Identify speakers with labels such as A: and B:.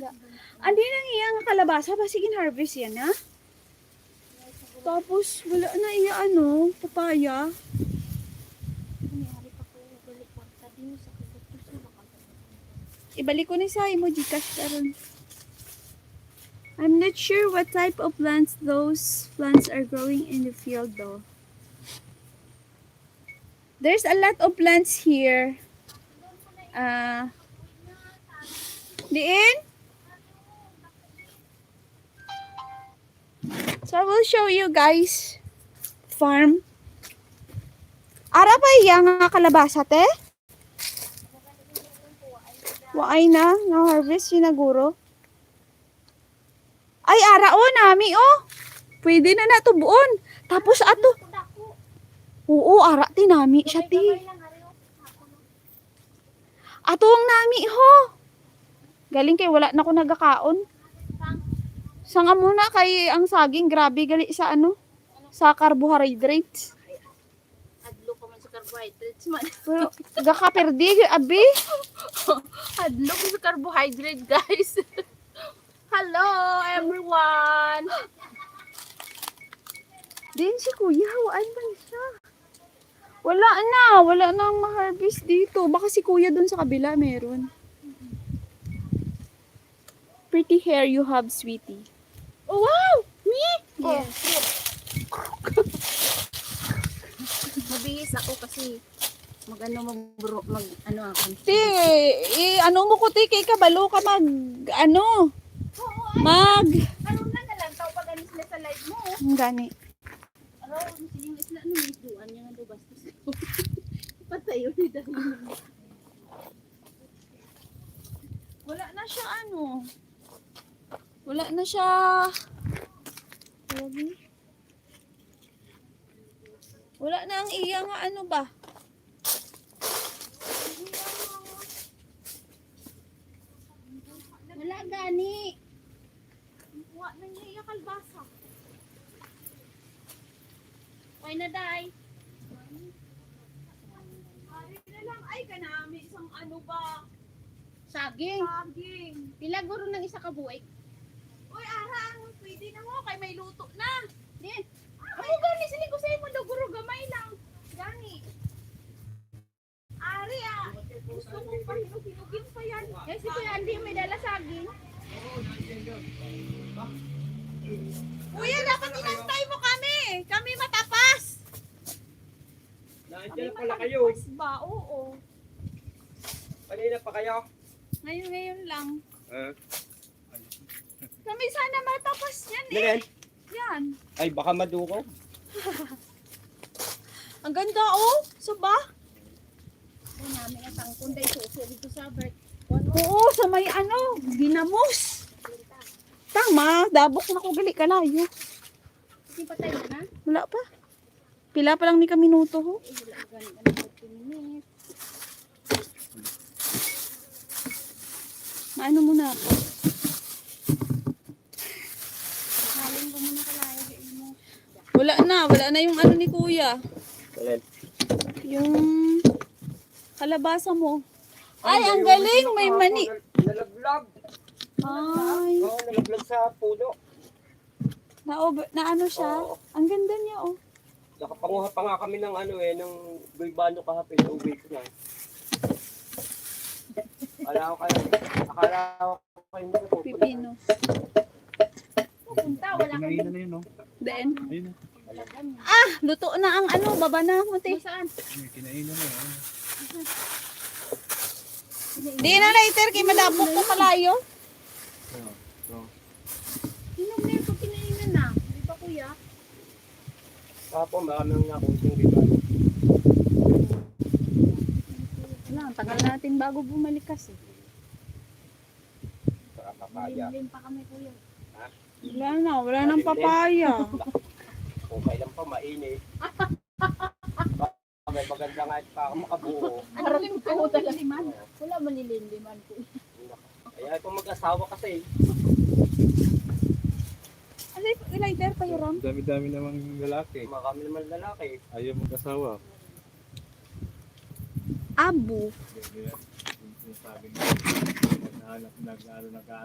A: Andi nang iya nga kalabasa, basigin harvest yan ha. Tapos wala na iya ano, papaya. Ibalik ko ni sa imo Gcash karon. I'm not sure what type of plants those plants are growing in the field though. There's a lot of plants here. Diin? So I will show you guys farm. Ara pa iya nga kalabasa te? Waay na, na-harvest sinaguro. Ay, ara o, nami o. Pwede na natubuon. Tapos ato. Oo, ara ti nami siya ti. Ato ang nami ho. Galing kay wala na ko nagakaon. Sanga muna kay ang saging grabe gali sa ano? Sa carbohydrates.
B: Adlo ka man sa carbohydrates man.
A: Pero gakaperdi abi.
B: Adlo ko sa carbohydrate, guys. Hello, everyone.
A: Din si Kuya, hawaan man siya. Wala nang ma-harvest dito. Baka si Kuya dun sa kabila meron. Pretty hair you have, sweetie.
B: Oh, wow! Me?
A: Yes.
B: Mabihis ako kasi mag ako.
A: Ti, ano mo ko ti, kay kabalo ka mag, ano, mag,
B: Ano na lang, tao pag anis na sa live mo.
A: ang gani.
B: Araw, siling isla, ano may duan niya nga do bastos. Patayo ni dahil.
A: Wala na siya ano. Wala na siya. Wala na ang iya nga ano ba?
B: Wala gani.
A: Wala na niya iya kalbasa.
B: Why na day?
A: Ari na lang ay kanami isang ano ba?
B: Saging.
A: Saging.
B: Pila guro ng isa ka buhay.
A: Uy, ara, pwede na mo kay may luto na.
B: Din. Ako gani sini ko sa imo do guro gamay lang.
A: Gani. Ari gusto ko pa hinugin pa yan.
B: Eh si Kuya Andy may dala saging.
A: Kuya, dapat inantay mo kami. Kami matapas.
C: Nandiyan na pala kayo.
A: Matapas ba? Oo.
C: Kanina pa kayo.
A: Ngayon lang.
C: Ah.
A: Kami sana matapas yan eh.
C: Ganyan?
A: Yan.
C: Ay, baka maduko.
A: Ang ganda oh. So ba?
B: Ay namin ang tangkon day suso dito sa Bert.
A: Oo, sa may ano, ginamos. Tama, dabok na ko gali kalayo.
B: Hindi pa tayo na.
A: Wala pa. Pila pa lang ni ka minuto ho.
B: Eh wala gani ano 15 minutes.
A: Maano muna ako.
B: Halin ko muna kalayo sa imo.
A: Wala na yung ano ni Kuya.
C: Ganyan.
A: Yung kalabasa mo. Ay, ang galing, may mani.
C: Nalaglag.
A: Ay,
C: Oo, nalaglag sa puno.
A: na ano siya.
C: Oo.
A: Ang ganda niya oh.
C: Nakapanguha pa nga kami ng ano ng gulbano kahapon. Uwi ko na. Akala ko kayo hindi ko pupunta.
A: Pipino.
B: Pupunta wala kang
D: Kinain na yun, no?
A: Then,
D: Ayun,
B: wala gani.
A: luto na ang ano, baba na mo te.
B: Saan?
D: kinain na yun.
A: Di na later kay madabok ko kalayo.
B: Hinog na yung kinainan na. Di ba kuya?
C: Tapos maraming nakunting gulbano.
A: Wala, ang tagal natin bago bumalik kasi.
C: Para papaya.
B: Limlim pa kami kuya.
A: Wala nang papaya.
C: Kung kailan pa mainit. May maganda nga pa ako makabuo.
B: Ano lim ko talaga liman? Wala manilinliman ko.
C: Kaya kung mag-asawa kasi.
A: Ano yung lighter pa yung
D: Dami-dami namang lalaki.
C: Marami naman lalaki.
D: Ayaw mag-asawa.
A: Abo.
D: Yung sabi niya, nag-ano,